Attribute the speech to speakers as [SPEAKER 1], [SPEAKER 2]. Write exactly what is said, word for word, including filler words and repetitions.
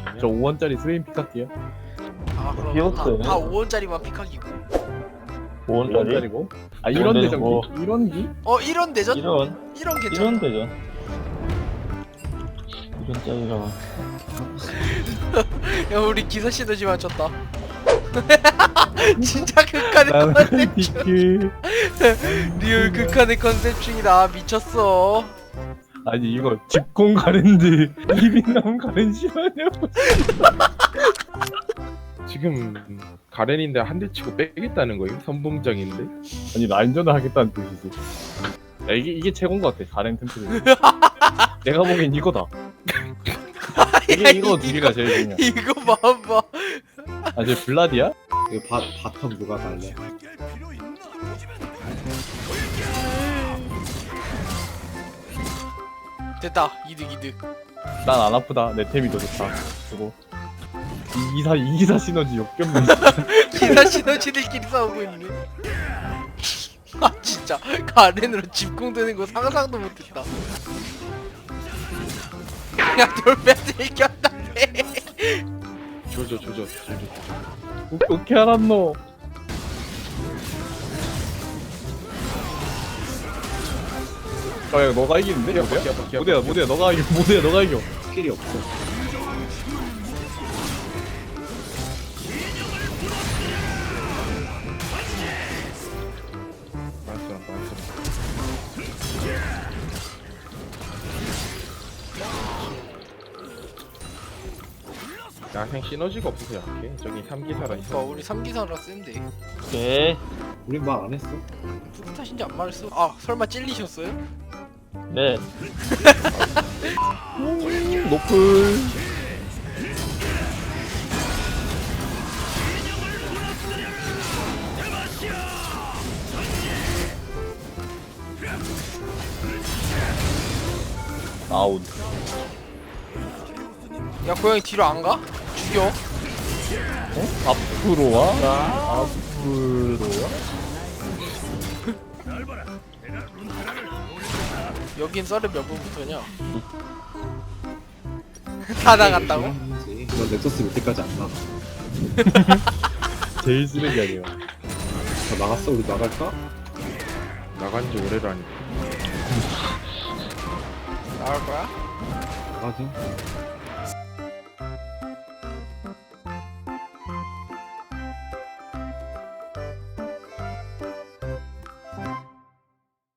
[SPEAKER 1] 저 오 원짜리 스웨인 픽할게요.
[SPEAKER 2] 아 그럼
[SPEAKER 3] 귀엽어요.
[SPEAKER 2] 다, 다 오 원짜리만 픽하기고.
[SPEAKER 3] 오
[SPEAKER 1] 오
[SPEAKER 3] 원짜리?
[SPEAKER 1] 원짜리고. 아 이런
[SPEAKER 3] 오
[SPEAKER 1] 대전기?
[SPEAKER 3] 뭐.
[SPEAKER 1] 이런 기?
[SPEAKER 2] 어 이런 대전?
[SPEAKER 3] 이런
[SPEAKER 2] 이런 괜찮아.
[SPEAKER 3] 이런 대전 이런 짜리가
[SPEAKER 2] 야 우리 기사 시너지 맞췄다. 진짜 극한의
[SPEAKER 1] 나는
[SPEAKER 2] 컨셉
[SPEAKER 1] 디크.
[SPEAKER 2] 리얼 극한의 컨셉 중이다. 미쳤어.
[SPEAKER 1] 아니 이거 집공 가랜드 이빈남 가랜 싫어하냐고. 지금 가렌인데 한 대 치고 빼겠다는 거예요? 선봉장인데? 아니 라인전을 하겠다는 뜻이지. 야, 이게 이게 최고인 것 같아. 가렌 템플. 내가 보기엔 이거다. 이게
[SPEAKER 2] 야,
[SPEAKER 1] 이거 두 개가 제일 중요해.
[SPEAKER 2] 이거 봐봐.
[SPEAKER 1] 아, 쟤 블라디야?
[SPEAKER 4] 이거 바, 바텀 누가 갈래?
[SPEAKER 2] 됐다. 이득 이득.
[SPEAKER 1] 난 안 아프다. 내 템이 더 좋다. 그거. 이기사 이기사 시너지 역겹네.
[SPEAKER 2] 기사 시너지들끼리 싸우고 있네. 아 진짜 가렌으로 집공되는 거 상상도 못했다. 야 돌배들 이겼다네.
[SPEAKER 1] 조져 조져 조져. 어떻게 알았노? 아, 야, 너가 이기는데? 모대야? 모대야, 모대야, 너가 이겨. 모대야, 너가 이겨.
[SPEAKER 4] 스킬이 없어.
[SPEAKER 1] 알았어, 알았어. 야생 시너지가 없어서 약해. 저기 삼기사라 있어.
[SPEAKER 2] 그러니까 우리 삼기사라 센데.
[SPEAKER 3] 오케이
[SPEAKER 4] 우린 말 안 했어.
[SPEAKER 2] 누구 탓인지 안 말했어. 아 설마 찔리셨어요?
[SPEAKER 3] 네
[SPEAKER 1] 노플. 아웃.
[SPEAKER 2] 야 고양이 뒤로 안 가? 죽여.
[SPEAKER 1] 어? 앞으로 와? 앞으로 와?
[SPEAKER 2] 여긴 썰을 몇 분부터냐? 다 나갔다고?
[SPEAKER 4] 그런지. 넌 넥서스 몇 대까지 안 나가.
[SPEAKER 1] 제일 쓰레기 아니야.
[SPEAKER 4] 다 나갔어? 우리 나갈까?
[SPEAKER 1] 나간 지 오래라니.
[SPEAKER 2] 나갈 거야?
[SPEAKER 4] 나가자.